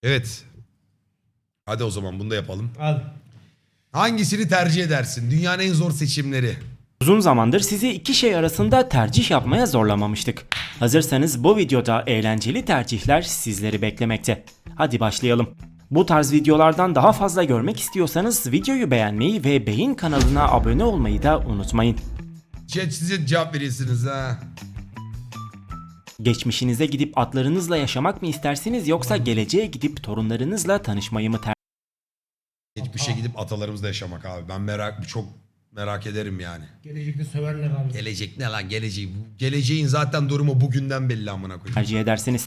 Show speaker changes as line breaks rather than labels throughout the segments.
Evet. Hadi o zaman bunu da yapalım.
Hadi.
Hangisini tercih edersin? Dünyanın en zor seçimleri.
Uzun zamandır sizi iki şey arasında tercih yapmaya zorlamamıştık. Hazırsanız bu videoda eğlenceli tercihler sizleri beklemekte. Hadi başlayalım. Bu tarz videolardan daha fazla görmek istiyorsanız videoyu beğenmeyi ve Beyin kanalına abone olmayı da unutmayın.
Size cevap veriyorsunuz ha.
Geçmişinize gidip atlarınızla yaşamak mı istersiniz yoksa geleceğe gidip torunlarınızla tanışmayı mı
Geçmişe gidip atalarımızla yaşamak abi. Ben çok merak ederim yani.
Gelecekte söverler abi.
Gelecek ne lan geleceği? Geleceğin zaten durumu bugünden belli amına koyayım.
tercih edersiniz?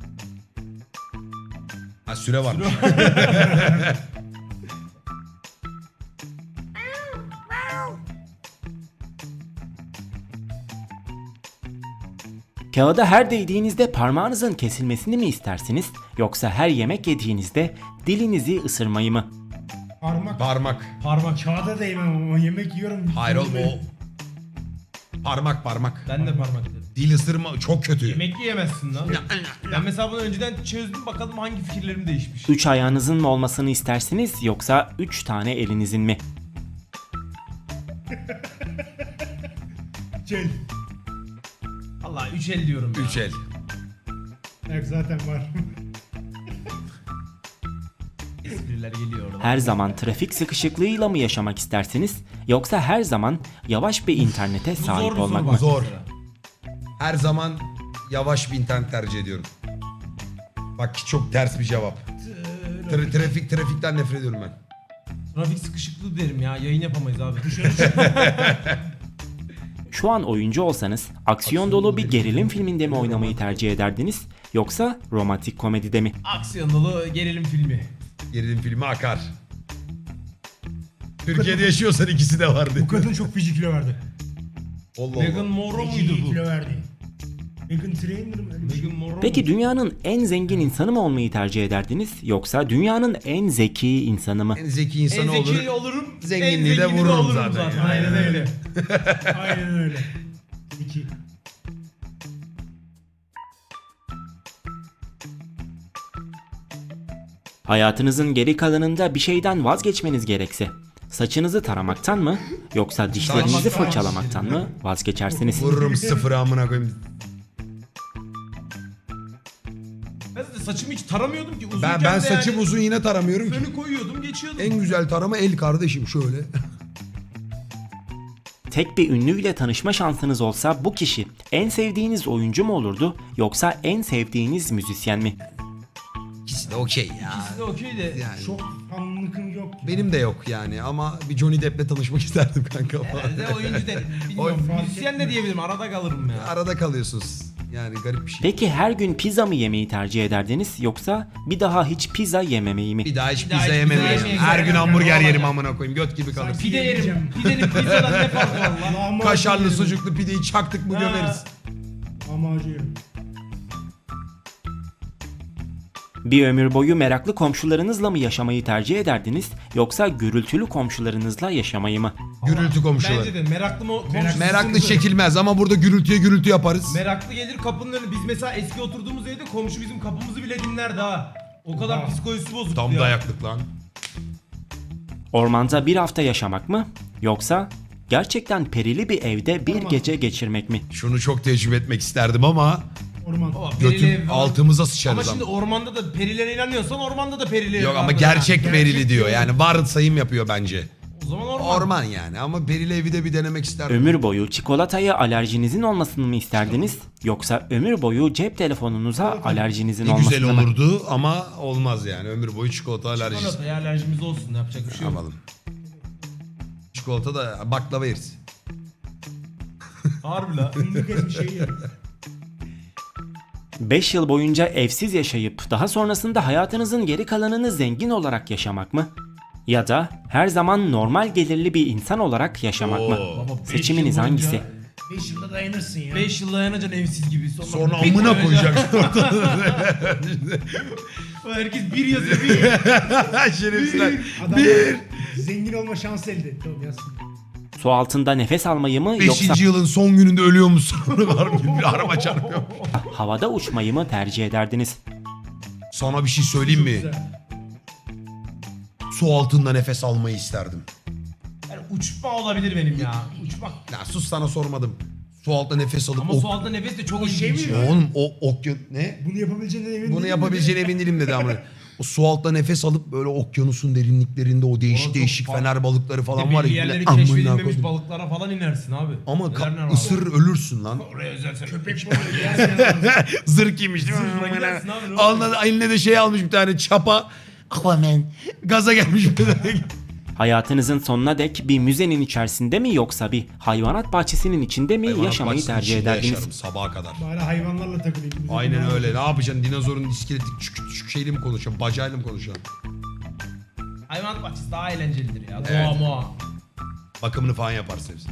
Ha süre var.
Kağıda her değdiğinizde parmağınızın kesilmesini mi istersiniz yoksa her yemek yediğinizde dilinizi ısırmayı mı?
Parmak.
Parmak.
Parmak. Kağıda değmem ama yemek yiyorum.
Hayır oğlum o. Parmak.
Ben de parmak dedim.
Dil ısırma çok kötü.
Yemek yiyemezsin lan. Ben mesela bunu önceden çözdüm, bakalım hangi fikirlerim değişmiş.
3 ayağınızın mı olmasını istersiniz yoksa 3 tane elinizin mi?
Çel.
Allah 3 el diyorum ya.
3 el.
Yok zaten var.
Espriler geliyor orada.
Her zaman trafik sıkışıklığıyla mı yaşamak istersiniz yoksa her zaman yavaş bir internete
Bu
sahip
zor bir
olmak
soru
mı?
bak
Zor.
mesela.
Her zaman yavaş bir internet tercih ediyorum. Bak çok ters bir cevap. Trafikten nefret ediyorum ben.
Trafik sıkışıklığı derim ya, yayın yapamayız abi.
Şu an oyuncu olsanız aksiyon dolu bir gerilim filminde mi oynamayı tercih ederdiniz yoksa romantik komedide mi?
Aksiyon dolu gerilim filmi.
Gerilim filmi akar. Türkiye'de yaşıyorsan ikisi de vardı.
Bu kadın çok feci kilo verdi.
Allah
Meghan
Allah.
Monroe
Feci
muydu bu?
kilo verdi. Meghan Trainor mu? Öyle bir şey.
Meghan Monroe
Peki
mu?
dünyanın en zengin insanı mı olmayı tercih ederdiniz yoksa dünyanın en zeki insanı mı?
En zeki
En
insan olur.
zeki olurum,
zenginliği
en
de
zengini
vururum
olurum
zaten.
Aynen öyle.
Aynen öyle. 2.
Hayatınızın geri kalanında bir şeyden vazgeçmeniz gerekse saçınızı taramaktan mı yoksa dişlerinizi
Saç-
fırçalamaktan mı vazgeçersiniz?
Vururum sıfırı amına koyayım.
Ben zaten saçımı hiç taramıyordum ki uzunken
Ben
de
saçım
yani
uzun yine taramıyorum ki.
fönü koyuyordum, geçiyordum.
En güzel tarama el kardeşim şöyle.
Tek bir ünlüyle tanışma şansınız olsa bu kişi en sevdiğiniz oyuncu mu olurdu yoksa en sevdiğiniz müzisyen mi?
İkisi de okey ya.
İkisi de okey de.
Yani
Çok fanlıkım yok.
benim de yok yani ama bir Johnny Depp'le tanışmak isterdim kanka.
Herhalde oyuncu de bilmiyorum. Müzisyen de diyebilirim, arada kalırım ya.
Arada kalıyorsunuz. Yani garip bir şey.
Peki her gün pizza mı yemeyi tercih ederdiniz yoksa bir daha hiç pizza yememeyi mi?
Bir daha hiç
daha
pizza
hiç
yemem.
pizza
ya.
yemeyeceğim.
Her gün
Yani
hamburger
olacak.
yerim amına koyayım. Göt gibi kalır.
Pide yerim.
Yiyeceğim.
Pidenin pizzadan ne farkı var lan?
Lahmacun
Kaşarlı
yerim.
sucuklu pideyi çaktık mı
Ha.
gömeriz.
Lahmacun yerim.
Bir ömür boyu meraklı komşularınızla mı yaşamayı tercih ederdiniz yoksa gürültülü komşularınızla yaşamayı mı?
Gürültü komşuları.
Bence de meraklı komşusu
Meraklı
sıkıntı.
çekilmez ama burada gürültüye gürültü yaparız.
Meraklı gelir kapının önüne. Biz mesela eski oturduğumuz evde komşu bizim kapımızı bile dinlerdi ha. O kadar psikolojisi bozuktu
Tam
ya.
dayaklık lan.
Ormanda bir hafta yaşamak mı yoksa gerçekten perili bir evde bir gece geçirmek mi?
Şunu çok tecrübe etmek isterdim ama
Orman.
Baba, perili
götüm
ev falan.
altımıza
Ama
sıçarız
şimdi
ama.
ormanda da perilere inanıyorsan ormanda da perili ev
Yok ama
vardır
gerçek
ha.
verili diyor. Yani varsayım yapıyor bence.
O zaman orman.
Orman yani ama perili evi de bir denemek isterdim.
Ömür boyu çikolataya alerjinizin olmasını mı isterdiniz yoksa ömür boyu cep telefonunuza alerjinizin
Ne güzel
olmasını mı?
olurdu ama olmaz yani. Ömür boyu çikolata alerjisi.
Çikolataya alerjimiz olsun, yapacak bir şey yok.
Yapalım. Çikolata da baklava yeriz.
Harbi la.
Fındık ezmiş şey yerim.
5 yıl boyunca evsiz yaşayıp daha sonrasında hayatınızın geri kalanını zengin olarak yaşamak mı? Ya da her zaman normal gelirli bir insan olarak yaşamak mı?
Oo.
Beş
Seçiminiz
yıl boyunca-
hangisi?
5 yılda dayanırsın ya.
5 yıl dayanacaksın evsiz gibi.
Sonra
bir
amına
koyacaksın.
koyacaksın ortada.
Herkes bir yazıyor bir.
Şerefsizler.
Adam zengin olma şansı elde etti. Oğlum yazsın.
Su altında nefes almayı mı yoksa
5. yılın son gününde ölüyor musun? Var mı? Bir araba çarpıyor.
havada uçmayı mı tercih ederdiniz?
Sana bir şey söyleyeyim mi?
Güzel.
Su altında nefes almayı isterdim.
Yani uçma olabilir benim ya. Uçmak.
Ya sus, sana sormadım. Su altında nefes alıp...
Ama su altında nefes de çok
O şey
ilginç
mi?
ya.
Oğlum o okyanus... Ne?
Bunu yapabileceğine emin
Bunu
değilim
yapabileceğine emin değilim dedi ama. O su altında nefes alıp böyle okyanusun derinliklerinde o değişik
Orası
değişik
çok farklı.
fener balıkları falan
Bir de
var ya.
belli yerleri
bile amına
keşfedilmemiş
koydum.
balıklara falan inersin abi.
Ama
Neler neler var.
ısırır ölürsün lan.
Oraya özel
Köpek balığı yersen
Zırh giymiş değil
Zırhla
mi?
gidersin abi, ne
Alnına, eline de şey almış bir tane çapa. Aquaman. Gaza gelmiş bir tane.
Hayatınızın sonuna dek bir müzenin içerisinde mi yoksa bir hayvanat bahçesinin içinde mi
Hayvanat
yaşamayı
bahçesinin
tercih
içinde
ederdiniz?
yaşarım sabaha kadar.
bari hayvanlarla takılayım.
Aynen öyle. Ne yapacaksın? Dinozorun iskeleti küçük şeyle mi konuşuyorsun? Bacayla mı konuşuyorsun?
Hayvanat bahçesi daha eğlencelidir ya.
Evet.
Doğa moğa.
Bakımını falan yaparsın hepsini.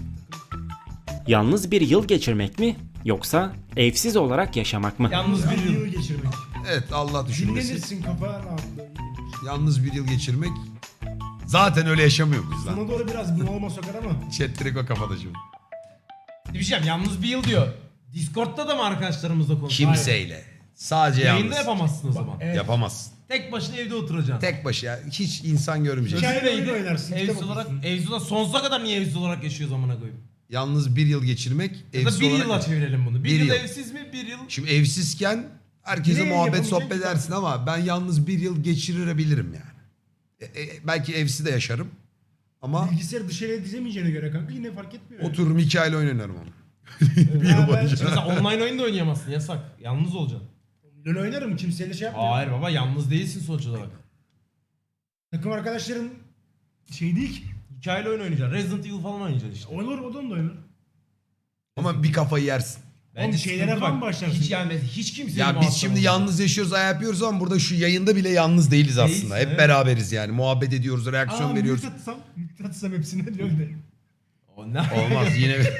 Yalnız bir yıl geçirmek mi yoksa evsiz olarak yaşamak mı?
Yalnız bir
Bir
yıl.
yıl geçirmek.
Evet, Allah düşünmesin.
Dinlenirsin, kafa rahatlığı.
Yalnız bir yıl geçirmek. Zaten öyle yaşamıyor muyuz lan?
Sana doğru biraz bunalıma sokar ama.
Chat direkt o kafada şimdi.
Bir şey diyeceğim, yalnız bir yıl diyor. Discord'da da mı arkadaşlarımızla konuşuyorsun?
Kimseyle. Sadece
Yayında
yalnız.
yapamazsın o zaman.
Evet.
Yapamazsın.
Tek başına evde oturacaksın.
Tek başına hiç insan görmeyecek.
Hikaye
Sözü neydi?
oyunu oynarsın,
Evsiz
kitap
olarak,
okursun.
evsiz olarak sonsuza kadar niye evsiz olarak yaşıyoruz amına koyayım?
Yalnız bir yıl geçirmek,
Ya da
evsiz
bir
olarak...
yıla çevirelim bunu. Bir
Bir
yıl
yıl.
evsiz mi? Bir yıl.
Şimdi evsizken herkese
Yine
muhabbet
yapamayacak
sohbet
ki.
edersin ama ben yalnız bir yıl geçirebilirim yani. Belki evsiz de yaşarım. Ama
Bilgisayarı dışarıya dizemeyeceğine göre kanka yine fark etmiyor. yani.
otururum hikayeyle oynarım onu.
Bir yıl
Mesela online oyun da oynayamazsın, yasak. Yalnız olacaksın.
LoL oynarım, kimseyle şey yapmıyor.
Hayır baba, yalnız değilsin sonuç olarak.
Takım arkadaşların şey değil ki.
Hikayeli oyun oynayacaksın. Resident Evil falan oynayacaksın işte.
Olur, o da oynar.
Ama bir kafayı yersin.
Bence
şeylere
sıkıntı
falan
bak,
başlarsın.
Hiç yani hiç kimseyle
Ya biz
muhatap
şimdi
olmayacağız.
yalnız yaşıyoruz, ayağı yapıyoruz ama burada şu yayında bile yalnız değiliz aslında.
Değilsin,
Hep
evet.
beraberiz yani. Muhabbet ediyoruz, reaksiyon veriyoruz.
Mülk atsam hepsine LoL'de.
O ne?
Olmaz yine bir...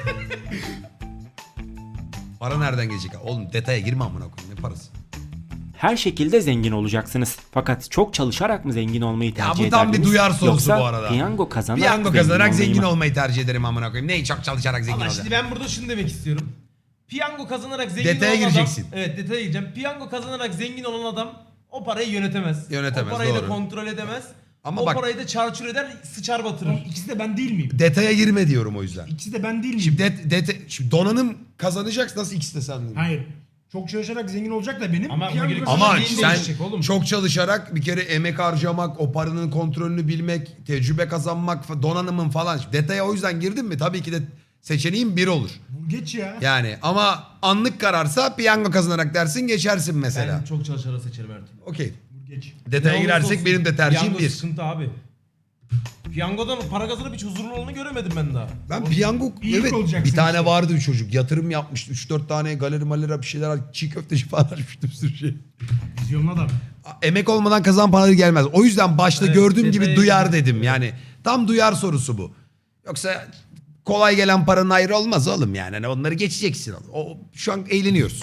Para nereden gelecek? Oğlum detaya girme amına koyayım. Ne parası?
Her şekilde zengin olacaksınız. Fakat çok çalışarak mı zengin olmayı
Ya
tercih
bu tam bir
ederdiniz?
duyar sorusu
Yoksa
bu arada.
piyango kazanarak,
Piyango kazanarak
olmayı
zengin
mı?
olmayı tercih ederim amına koyayım. Neyi çok çalışarak zengin
Ama
olacağım?
şimdi ben burada şunu demek istiyorum. Piyango kazanarak zengin
Detaya
olan
gireceksin.
adam... Evet, detaya gireceğim. Piyango kazanarak zengin olan adam o parayı yönetemez.
Yönetemez,
O parayı
doğru.
da kontrol edemez.
Ama
o
bak-
parayı da çarçur eder, sıçar batırır.
Oğlum ikisi de ben değil miyim?
Detaya girme diyorum o yüzden.
İkisi de ben değil miyim?
Şimdi donanım kazanacaksın, nasıl ikisi de sen?
Hayır. Çok çalışarak zengin olacak da benim.
Ama
piyango
bugün-
kazanacak
Ama
Zengin
sen
değişecek oğlum.
çok çalışarak bir kere emek harcamak, o paranın kontrolünü bilmek, tecrübe kazanmak, donanımın falan. Şimdi detaya o yüzden girdin mi tabii ki de seçeneğin bir olur.
Bu geç ya.
Yani ama anlık kararsa piyango kazanarak dersin geçersin mesela.
Ben çok çalışarak seçerim her türlü.
Okey.
Bu geç.
Detaya
Ne olursa
girersek
olsun,
benim de tercihim
piyango
bir.
sıkıntı abi. Piyangodan para kazanıp hiç huzurlu olduğunu göremedim ben daha.
Ben piyango
İyi
evet
olacaksın
bir tane
işte.
vardı bir çocuk yatırım yapmıştı 3-4 tane galeri malera bir şeyler çiğ köfteci falan açmıştı bir sürü şey.
Vizyonlu adam.
Emek olmadan kazan paraları gelmez. O yüzden başta
Evet,
gördüğüm gibi
detaya
duyar
girmek
dedim. Yani tam duyar sorusu bu. Yoksa kolay gelen paranın ayrı olmaz oğlum yani. Hani onları geçeceksin. Şu an eğleniyoruz.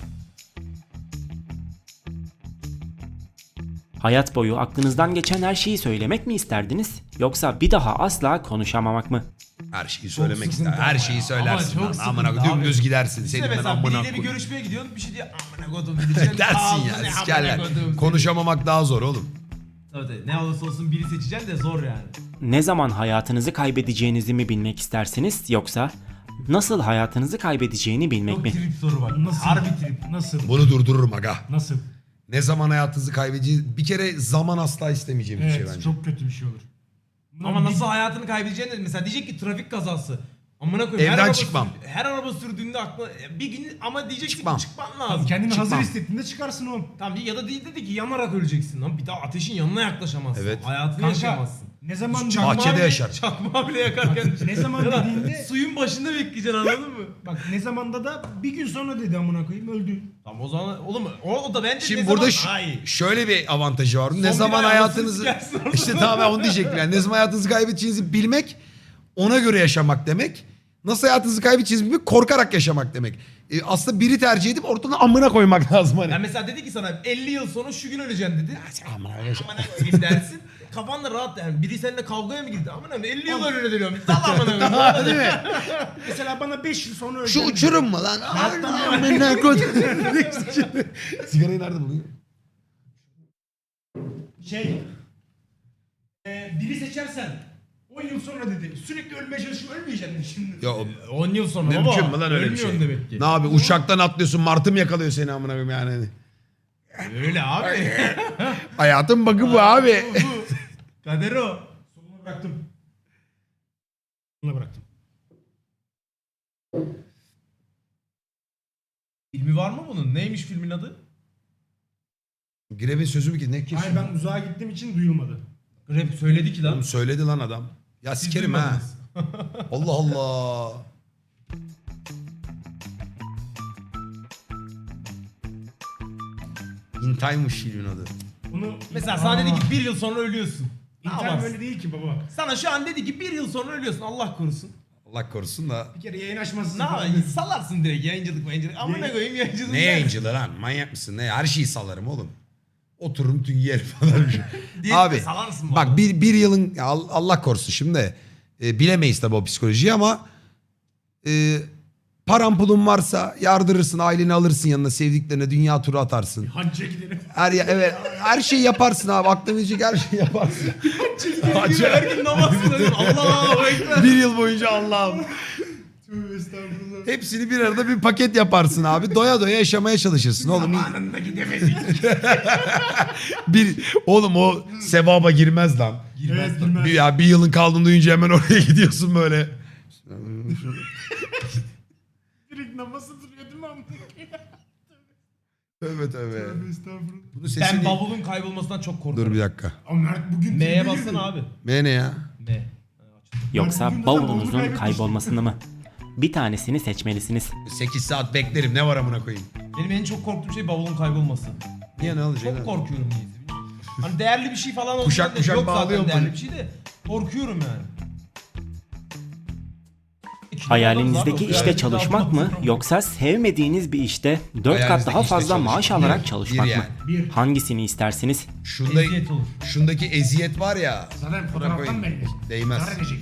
Hayat boyu aklınızdan geçen her şeyi söylemek mi isterdiniz? Yoksa bir daha asla konuşamamak mı?
Her şeyi söylemek
sıkıntı
ister.
ama
Her
ya.
şeyi söylersin.
Ama çok
lan. Amına
sıkıntı
dümdüz
abi.
gidersin.
İşte
Senin ben
mesela
amına
biriyle bir
koyayım.
görüşmeye gidiyorsun, bir şey diyor amına kodum diyeceksin.
Dersin
Ağzını
ya
amına
sikerler.
kodum seni.
Konuşamamak daha zor oğlum.
Tabii ne olursa olsun biri seçeceksin de zor yani.
Ne zaman hayatınızı kaybedeceğinizi mi bilmek istersiniz yoksa nasıl hayatınızı kaybedeceğini bilmek
Çok
mi?
trip soru bak.
Nasıl?
Harbi trip.
Nasıl?
Bunu durdururum aga.
Nasıl?
Ne zaman hayatınızı kaybedeceğiz? Bir kere zaman asla istemeyeceğim bir şey
Evet,
bence.
çok kötü bir şey olur.
Ama nasıl hayatını kaybedeceğini de mesela diyecek ki trafik kazası. Amına koyayım.
Evden
her araba
çıkmam.
her araba sürdüğünde aklına bir gün ama diyeceksin
Çıkmam.
ki çıkman lazım.
Kendini
Çıkmam.
hazır hissettiğinde çıkarsın oğlum.
Tamam ya da değil dedi ki yanarak öleceksin lan. Bir daha ateşin yanına yaklaşamazsın.
Evet.
Hayatını
Kanka
yaşayamazsın.
ne zaman
Bahçede
bile-
yaşar.
Çakmağı bile yakarken.
Ne zaman
Ya da
dediğinde-
suyun başında bekleyeceksin anladın mı?
bak ne zamanda da bir gün sonra dedi amına koyayım öldü.
Tamam o zaman oğlum o da bence
Şimdi
ne
burada
zaman daha iyi.
şöyle bir avantajı var. Ne
bir
zaman
ay
hayatınızı
anasını sikersin
işte tamam ben onu diyecektim yani. Ne zaman hayatınızı kaybedeceğinizi bilmek, ona göre yaşamak demek. Nasıl hayatınızı kaybedeceğinizi bilmek, korkarak yaşamak demek. Aslında biri tercih edip ortadan amına koymak lazım hani.
Yani mesela dedi ki sana 50 yıl sonra şu gün öleceksin dedi.
Amına
Amına koyayım dersin. Kafan da rahat yani. Biri seninle kavgaya mı girdi? Amına koyayım 50 yıl önüne dönüyorum. Sal amına koyayım.
değil mi?
Mesela bana 5 yıl sonra
Şu
öleceğim.
uçurum mu lan? Amına koydum. Sigarayı nerede buluyor?
Biri seçersen 10 yıl sonra dedi. Sürekli ölmeye çalışıp ölmeyeceksin şimdi.
Ya
10 yıl sonra
mümkün
baba.
mü lan öyle bir şey?
Ölmüyorsun demek ki.
Ne abi uçaktan atlıyorsun martı mı yakalıyor seni amına koyayım yani.
Öyle abi.
Hayatın bakı bu abi.
Kader o.
Sonuna bıraktım. Sonuna bıraktım.
Filmi var mı bunun? Neymiş filmin adı?
Grev'in sözü mü ki ne
Hayır
kesin?
ben uzağa gittiğim için duyulmadı.
Rap söyledi ki lan.
Oğlum söyledi lan adam. Ya
Siz
sikerim ha.
duymadınız.
Allah Allah. In Time'mış filmin adı.
Bunu
Mesela sana dedi ki 1 yıl sonra ölüyorsun. Ne
İnternet
yaparsın?
öyle değil ki baba.
Sana şu an dedi ki 1 yıl sonra ölüyorsun. Allah korusun.
Allah korusun da.
Bir kere yayın açmasın.
Ne yaparsın? Salarsın direkt yayıncılık. Amına koyayım yayıncılık.
Ne yayıncılığı lan? Manyak mısın? Ne? Her şeyi salarım oğlum. Otururum tüm yer falan. Abi
salarsın
bak bir yılın ya Allah korusun şimdi bilemeyiz tabii o psikolojiyi ama paran pulun varsa yardırırsın, aileni alırsın yanına, sevdiklerine dünya turu atarsın.
Hacca gidelim.
Evet her şeyi yaparsın abi. Aklına gelecek her şeyi yaparsın. Hacı.
Her gün namaz kılıyorum. Allah'a ekber.
Bir yıl boyunca Allah'ım.
Tövbe estağfurullah.
Hepsini bir arada bir paket yaparsın abi. Doya doya yaşamaya çalışırsın oğlum.
Zamanında gidemedik.
Oğlum o sevaba girmez lan.
Evet girmez.
Ya bir yılın kaldığını duyunca hemen oraya gidiyorsun böyle.
Direkt namazı duruyor değil mi amına?
Tövbe tövbe.
Tövbe estağfurullah.
Bunun
Ben
sesini...
bavulun kaybolmasından çok korkuyorum.
Dur bir dakika.
Ama Mert bugün...
M'ye
tebrik
bassana
ederim.
abi.
M ne ya?
M.
Yoksa
bugün de
bavulunuzun
bavulu
kaybolmasını mı? Bir tanesini seçmelisiniz.
8 saat beklerim ne var amına koyayım.
Benim en çok korktuğum şey bavulun kaybolması.
Niye ne olacak?
Çok
lan?
korkuyorum niyeyse. Hani değerli bir şey falan olsa
Kuşak
da
kuşak
yok zaten
bağlıyorum
değerli
böyle.
bir şey de korkuyorum yani.
Hayalinizdeki
Abi,
işte çalışmak mı yoksa sevmediğiniz bir işte 4 kat
Hayalinizdeki
daha
işte
fazla
çalışmak.
maaş alarak
Bir,
çalışmak
bir
mı?
yani.
Hangisini istersiniz?
Şunda,
Eziyet olur.
şundaki eziyet var ya.
Zaten
Buna
fotoğraftan
koyayım.
belli.
Değmez.
Zarar edecek.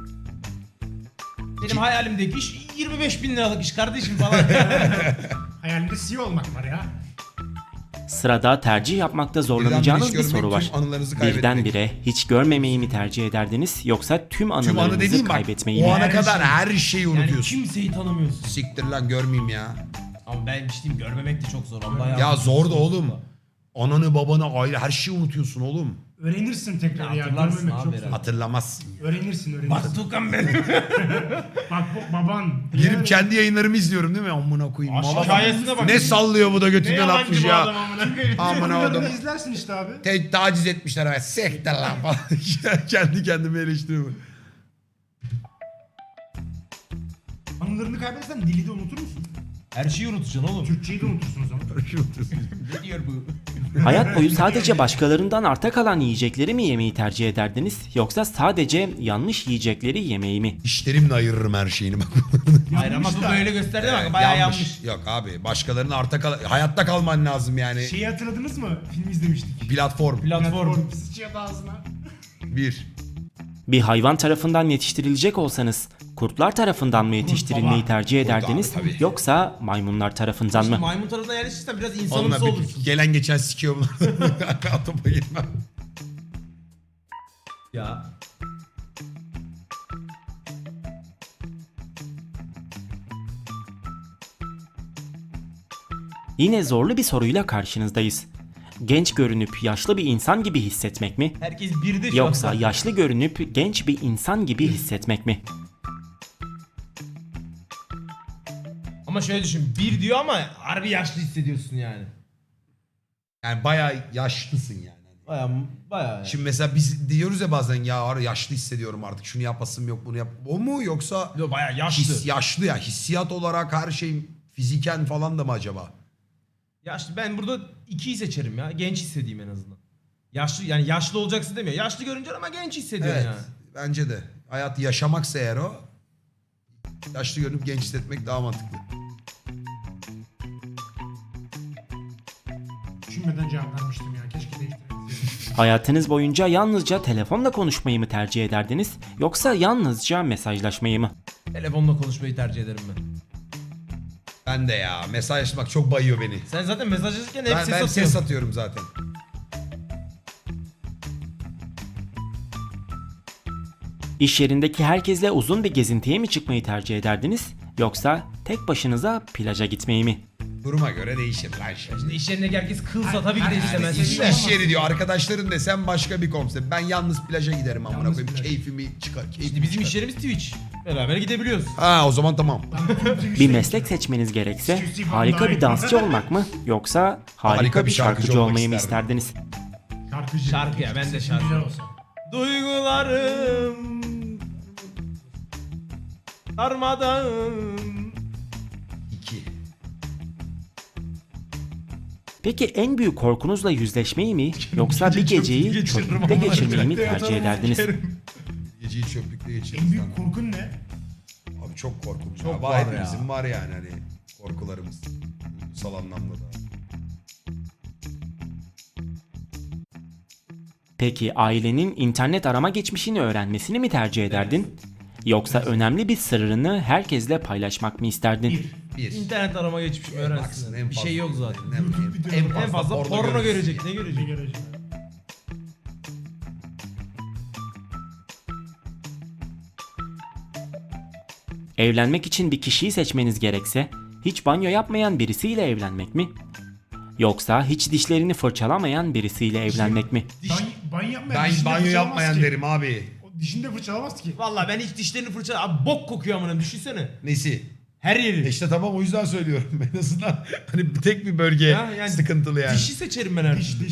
Benim hayalimdeki iş 25.000 liralık iş kardeşim falan.
Hayalimde CEO olmak var ya.
Sırada tercih yapmakta
Birden
zorlanacağınız
hiç
bir
görmek,
soru var.
tüm anılarınızı kaybetmek.
Birdenbire hiç görmemeyi mi tercih ederdiniz yoksa tüm
Tüm anı
anılarınızı
dediğim bak
kaybetmeyi
o
mi?
ana kadar
şey.
her şeyi
Yani
unutuyorsun.
kimseyi tanımıyorsun.
Siktir lan görmeyeyim ya.
Ama ben bir şey diyeyim, görmemek de çok zor. Allah
Ya zor da oğlum. Ananı babanı aile her şeyi unutuyorsun oğlum.
Öğrenirsin tekrar ya.
Hatırlarsın
Görmemek
abi
çok
herhalde.
zor.
Hatırlamazsın.
Öğrenirsin.
Bak Tukan benim.
Bak baban.
Girip kendi yayınlarımı izliyorum değil mi? Amına koyayım.
Aşk
Mala-
hikayesine bak.
Ne sallıyor bu da
Ne
götünden
yalancı
atmış
bu
ya.
adam amına koyayım.
Amına
Adamı
oğlum.
izlersin işte abi.
Taciz etmişler ama sektir lan falan. Kendi kendime eleştiriyorum.
Anılarını kaybedersen dili de unutur musun?
Her şeyi unutacaksın oğlum.
Türkçeyi de unutursun o zaman.
Ne diyor bu?
Hayat boyu sadece başkalarından arta kalan yiyecekleri mi yemeyi tercih ederdiniz yoksa sadece yanlış yiyecekleri yemeyi mi?
İşlerimle ayırırım her şeyini bak.
Hayır ama bu böyle gösterdi bak bayağı yanlış.
Yok abi başkalarının hayatta kalman lazım yani.
Şeyi hatırladınız mı? Film izlemiştik.
Platform.
Platform.
Sıçıyordu ağzına.
Bir.
Bir hayvan tarafından yetiştirilecek olsanız kurtlar tarafından mı yetiştirilmeyi
baba.
tercih
Kurt abi,
ederdiniz
tabii.
yoksa maymunlar tarafından mı?
Maymun tarafından yerleşirsen biraz
Onunla
insanımsı
bir
olursun.
gelen geçen sikiyor bunlar. Topa girmem.
Ya.
Yine zorlu bir soruyla karşınızdayız. Genç görünüp yaşlı bir insan gibi hissetmek mi?
Herkes birde şu
Yoksa
an.
yaşlı görünüp genç bir insan gibi hissetmek mi?
Ama şöyle düşün. Bir diyor ama harbi yaşlı hissediyorsun yani.
Yani bayağı yaşlısın yani.
Bayağı yani.
Şimdi mesela biz diyoruz ya bazen ya yaşlı hissediyorum artık şunu yapasım yok bunu yap. O mu yoksa
Yo, bayağı yaşlı.
yaşlı ya hissiyat olarak her şey fiziken falan da mı acaba?
Yaşlı. Ben burada 2'yi seçerim ya. Genç hissedeyim en azından. Yaşlı yani yaşlı olacaksın demiyor. Yaşlı görünce ama genç hissediyorsun
Evet
yani.
bence de. Hayatı yaşamaksa eğer o yaşlı görünüp genç hissetmek daha mantıklı.
Düşünmeden cevap vermiştim ya. Keşke değiştirebilseydim.
Hayatınız boyunca yalnızca telefonla konuşmayı mı tercih ederdiniz yoksa yalnızca mesajlaşmayı mı?
Telefonla konuşmayı tercih ederim ben.
Ben de ya mesajlaşmak çok bayıyor beni.
Sen zaten mesajlaşırken hep
Ben
ses
ses
atıyorsun.
atıyorum zaten.
İş yerindeki herkesle uzun bir gezintiye mi çıkmayı tercih ederdiniz? Yoksa tek başınıza plaja gitmeyi mi?
Duruma göre değişir lan şey.
Şimdi iş yerindeki herkes kılsa tabii ki de istemez.
İş yeri diyor. Arkadaşların desem başka bir konsept. Ben yalnız plaja giderim amına
Yalnız
koyayım.
plaj.
Keyfimi çıkar.
İşte
Keyfimi
bizim
çıkar.
iş yerimiz Twitch. Beraber gidebiliyoruz.
Ha o zaman tamam.
Bir meslek seçmeniz gerekse harika bir dansçı olmak mı? Yoksa harika bir şarkıcı olmayı mı isterdiniz?
Şarkıcı.
Şarkı ya, ben de
Sesin
şarkı.
güzel olsa.
Duygularım darmadağın.
2.
Peki en büyük korkunuzla yüzleşmeyi mi? Yoksa bir geceyi çöplükte geçirmeyi mi tercih ederdiniz?
Geceyi çöplükte
En
geçiririz
büyük
lan.
korkun ne?
Abi çok korkunç.
Çok
Abi
var
hepimizin
ya.
var yani hani korkularımız. Duygusal anlamda da.
Peki ailenin internet arama geçmişini öğrenmesini mi tercih ederdin? Yoksa önemli bir sırrını herkesle paylaşmak mı isterdin?
Bir.
İnternet arama geçmişimi
Baksın,
öğrensin.
en
Bir
fazla-
şey yok zaten.
En
En fazla porno
görürsün.
görecek. Ne görecek?
Garajı.
Evlenmek için bir kişiyi seçmeniz gerekse hiç banyo yapmayan birisiyle evlenmek mi? Yoksa hiç dişlerini fırçalamayan birisiyle evlenmek mi?
Banyo yapmayan.
Ben
dişini
banyo
fırçalamaz
yapmayan
ki.
derim abi.
O dişini de fırçalamaz ki.
Vallahi ben hiç dişlerini fırça... Abi bok kokuyor amına, düşünsene.
Nesi?
Her yeri.
İşte tamam o yüzden söylüyorum. En azından hani tek bir bölge
Ha, yani
sıkıntılı yani.
Dişi seçerim ben her
Diş
türlü.
diş.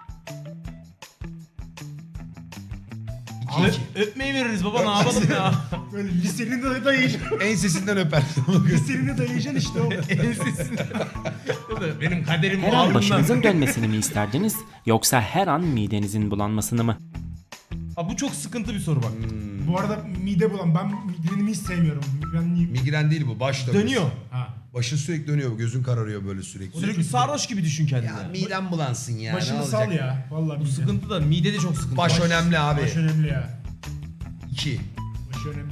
Öpmeyi veririz baba, ne yapalım ya.
Böyle lisenin de dayayacaksın.
Ensesinden öpersin.
Lisenin de dayayacaksın işte o.
Ensesinde. Benim kaderim
Her
bu
an
alnımda.
başınızın dönmesini mi isterdiniz? Yoksa her an midenizin bulanmasını mı?
Abi bu çok sıkıntı bir soru bak.
Bu arada mide bulan. Ben midemi hiç sevmiyorum. Migrenliyim.
Migren değil bu baş dönmesi.
Dönüyor.
Ha.
Başın sürekli dönüyor. Gözün kararıyor böyle sürekli.
Sürekli sarhoş gibi düşün kendini.
Ya midem bulansın ya.
Başını
ne
sal
olacak?
ya. Vallahi
Bu
mide.
sıkıntı da mide de çok sıkıntı.
Baş önemli abi.
Baş önemli ya.
2.
Baş önemli.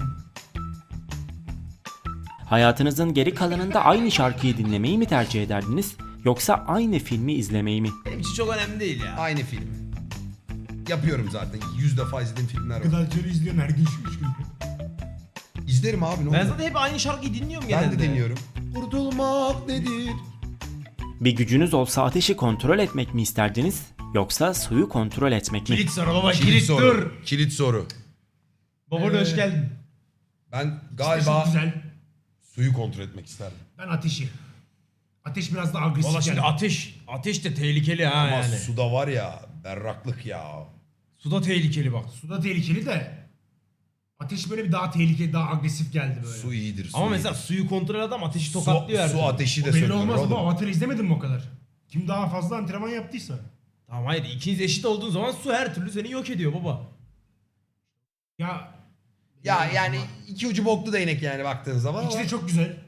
Hayatınızın geri kalanında aynı şarkıyı dinlemeyi mi tercih ederdiniz? Yoksa aynı filmi izlemeyi mi?
Benim için çok önemli değil ya.
Aynı film. Yapıyorum zaten. 100 defa izlediğim filmler var.
Gıdalcıları izliyorsun her gün şu 3 gün.
İzlerim abi ne
Ben
olur.
zaten hep aynı şarkıyı dinliyorum
Ben
genelde.
de dinliyorum. Kurtulmak nedir?
Bir gücünüz olsa ateşi kontrol etmek mi isterdiniz? Yoksa suyu kontrol etmek mi?
Kilit soru baba,
Kilit
kilit
soru.
dur.
Kilit soru.
Baba hoş geldin.
Ben
Çok
galiba
güzel.
suyu kontrol etmek isterdim.
Ben ateşi. Ateş biraz daha agresif
Valla şimdi
geldi.
ateş de tehlikeli ha
Ama
yani.
suda var ya berraklık ya.
Suda tehlikeli bak.
Suda tehlikeli de ateş böyle bir daha tehlikeli, daha agresif geldi böyle.
Su iyidir. Su
Ama
iyidir.
mesela suyu kontrol adam ateşi tokatlıyor her
su
türlü.
ateşi de
O belli
söndürür
olmaz
oğlum.
ama Avatar'ı izlemedin mi o kadar? Kim daha fazla antrenman yaptıysa.
Tamam hayır, ikiniz eşit olduğun zaman su her türlü seni yok ediyor baba.
Ya
Ya yani iki ucu boklu değnek yani baktığın zaman.
İkisi
ama-
de çok güzel.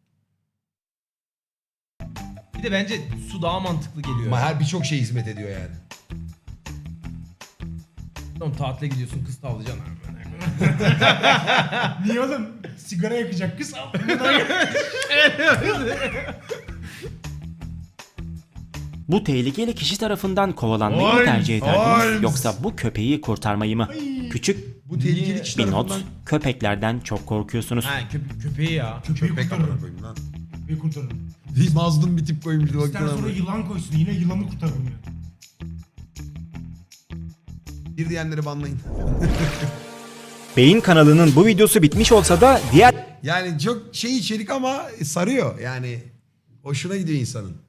Bir de bence su daha mantıklı geliyor.
Ama her birçok şey hizmet ediyor yani.
Tamam, tatile gidiyorsun, kız tavlayacaksın.
Niye oğlum? Sigara yakacak kız.
Bu tehlikeli kişi tarafından kovalanmayı mı
Holmes,
tercih ederdiniz?
Holmes.
Yoksa bu köpeği kurtarmayı mı? Küçük
Bu tehlikeli kişi
bir not.
tarafından
Köpeklerden çok korkuyorsunuz.
Ha köpeği ya.
Köpeği
köpek amına
kurtarırım.
koyayım lan.
Köpeği kurtarırım.
Mazlum bir tip koymuş.
İster sonra yılan koysun. Yine yılanı kurtarırım ya.
Bir diyenleri banlayın.
Beyin kanalının bu videosu bitmiş olsa da diğer
Yani çok şey içerik ama sarıyor yani. Hoşuna gidiyor insanın.